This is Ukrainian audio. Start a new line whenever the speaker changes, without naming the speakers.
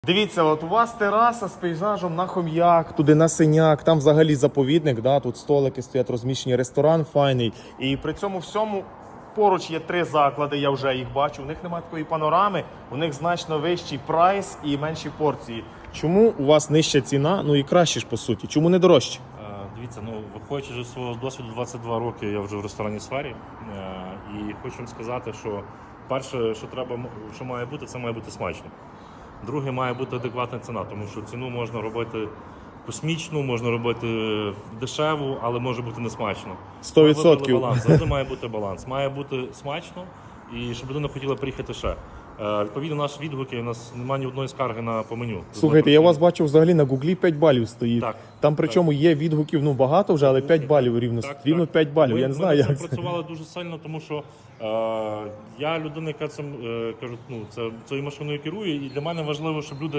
Дивіться, от у вас тераса з пейзажем на Хом'як, туди на Синяк, там взагалі заповідник, да, тут столики стоять розміщені, ресторан файний. І при цьому всьому поруч є 3 заклади, я вже їх бачу. У них немає такої панорами, у них значно вищий прайс і менші порції. Чому у вас нижча ціна, ну і краще ж по суті? Чому не дорожче?
Дивіться, виходячи з свого досвіду, 22 роки я вже в ресторанній сфері. І хочу вам сказати, що перше, що має бути, це має бути смачно. Друге, має бути адекватна ціна, тому що ціну можна робити космічну, можна робити дешеву, але може бути не смачно.
100%.
Завжди має бути баланс. Має бути смачно і щоб людина хотіла приїхати ще. Відповідно, наші відгуки, у нас немає ні одної скарги по меню.
Слухайте, я вас бачу взагалі на Гуглі 5 балів стоїть.
Так,
там причому є відгуків, багато вже, але 5 балів рівно. Рівно 5 балів, я не знаю як.
Ми працювали дуже сильно, тому що я людина, яка цією машиною керує, і для мене важливо, щоб люди